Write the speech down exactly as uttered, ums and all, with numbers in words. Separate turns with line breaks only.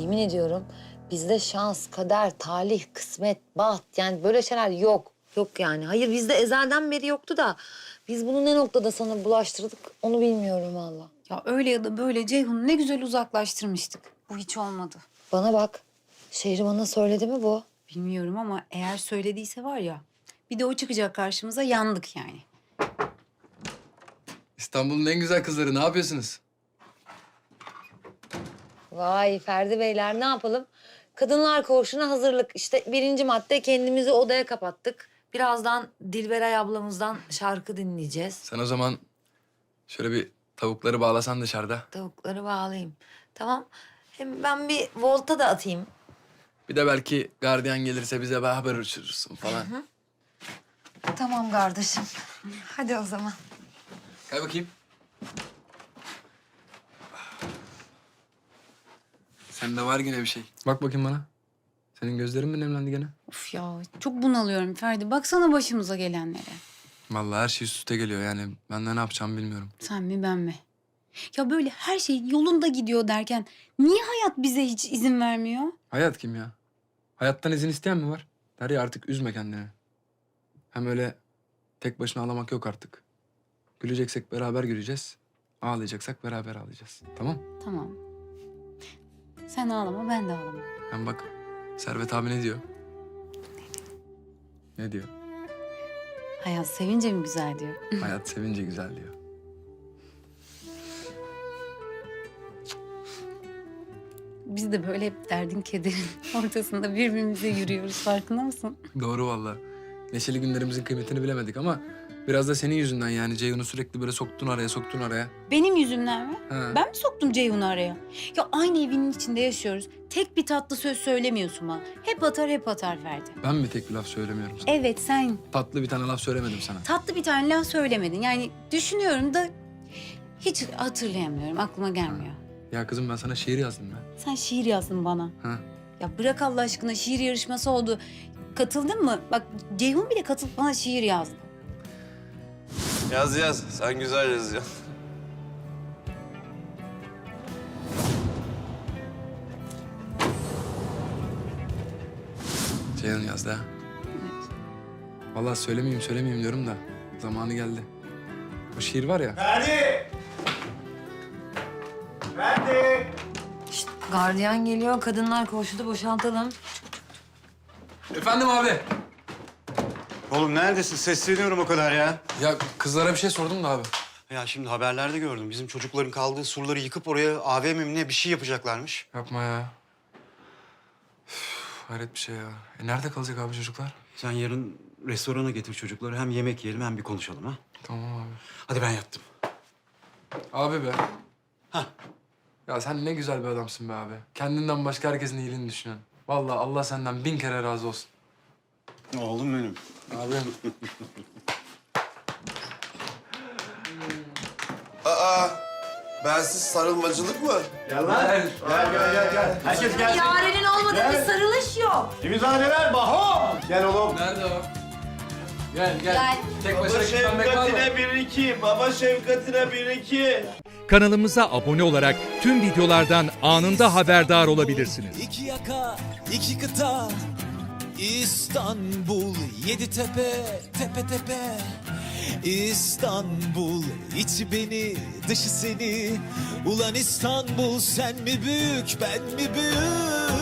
yemin ediyorum bizde şans, kader, talih, kısmet, baht yani böyle şeyler yok. Yok yani. Hayır bizde ezelden beri yoktu da biz bunu ne noktada sana bulaştırdık onu bilmiyorum valla.
Ya öyle ya da böyle Ceyhun'u ne güzel uzaklaştırmıştık. Bu hiç olmadı.
Bana bak. Şehriman'a söyledi mi bu?
Bilmiyorum ama eğer söylediyse var ya... ...bir de o çıkacak karşımıza, yandık yani.
İstanbul'un en güzel kızları, ne yapıyorsunuz?
Vay Ferdi Beyler ne yapalım? Kadınlar Koğuşu'na hazırlık. İşte birinci madde kendimizi odaya kapattık. Birazdan Dilberay ablamızdan şarkı dinleyeceğiz.
Sen o zaman şöyle bir tavukları bağlasan dışarıda.
Tavukları bağlayayım. Tamam. Hem ben bir volta da atayım.
Bir de belki gardiyan gelirse bize bir haber uçurursun falan.
Tamam kardeşim. Hadi o zaman.
Gel bakayım. Sende var yine bir şey. Bak bakayım bana. Senin gözlerin mi nemlendi gene?
Of ya, çok bunalıyorum Ferdi. Baksana başımıza gelenlere.
Vallahi her şey üst üste geliyor yani. Ben de ne yapacağımı bilmiyorum.
Sen mi ben mi? Ya böyle her şey yolunda gidiyor derken... ...niye hayat bize hiç izin vermiyor?
Hayat kim ya? Hayattan izin isteyen mi var? Derya artık üzme kendini. Hem öyle tek başına ağlamak yok artık. Güleceksek beraber güleceğiz. Ağlayacaksak beraber ağlayacağız. Tamam?
Tamam. Sen ağlama, ben de ağlama.
Hem bak Servet abi ne diyor? Ne diyor?
Hayat sevince mi güzel diyor.
Hayat sevince güzel diyor.
Biz de böyle hep derdin kederin ortasında birbirimize yürüyoruz, farkında mısın?
Doğru vallahi. Neşeli günlerimizin kıymetini bilemedik ama biraz da senin yüzünden yani Ceyhun'u sürekli böyle soktun araya, soktun araya.
Benim yüzümden mi?
Ha.
Ben mi soktum Ceyhun'u araya? Ya aynı evinin içinde yaşıyoruz. Tek bir tatlı söz söylemiyorsun bana. Hep atar hep atar Ferdi.
Ben mi tek bir laf söylemiyorum sana?
Evet sen
Tatlı bir tane laf söylemedim sana.
tatlı bir tane laf söylemedin. Yani düşünüyorum da hiç hatırlayamıyorum. Aklıma gelmiyor.
Ya kızım ben sana şiir yazdım ben.
Sen şiir yazdın bana.
Ha.
Ya bırak Allah aşkına, şiir yarışması oldu. Katıldın mı? Bak Ceyhun bile katılıp bana şiir yazdı.
Yaz yaz. Sen güzel yazıyorsun.
Ceyhun yazdı ha. Vallahi söylemeyeyim söylemeyeyim diyorum da zamanı geldi. O şiir var ya.
Ferdi! Ferdi!
Şşt, gardiyan geliyor. Kadınlar Koğuşu'nu boşaltalım.
Efendim abi.
Oğlum neredesin? Sesleniyorum o kadar ya.
Ya kızlara bir şey sordum da abi.
Ya şimdi haberlerde gördüm. Bizim çocukların kaldığı surları yıkıp oraya A V M mi ne bir şey yapacaklarmış.
Yapma ya. Üf, hayret bir şey ya. E nerede kalacak abi çocuklar?
Sen yarın restorana getir çocukları. Hem yemek yiyelim hem bir konuşalım ha.
Tamam abi.
Hadi ben yattım.
Abi be.
Hah.
Ya sen ne güzel bir adamsın be abi. Kendinden başka herkesin iyiliğini düşünüyorsun. Vallahi Allah senden bin kere razı olsun.
Oğlum benim.
Abim.
Aa, bensiz sarılmacılık mı?
Gel lan. Gel gel gel gel. Herkes gelsin.
Yarenin olmadığı bir sarılış yok.
İmzaneler Baho. Gel oğlum.
Nerede o? Gel gel.
Gel.
Tek
Baba
başına gitmemek var mı?
şefkatine bir iki. Baba şefkatine bir iki.
Kanalımıza abone olarak tüm videolardan anında haberdar olabilirsiniz.
İki yaka, iki kıta, İstanbul, yedi tepe, tepe tepe. İstanbul, içi beni, dışı seni. Ulan İstanbul, sen mi büyük, ben mi büyük?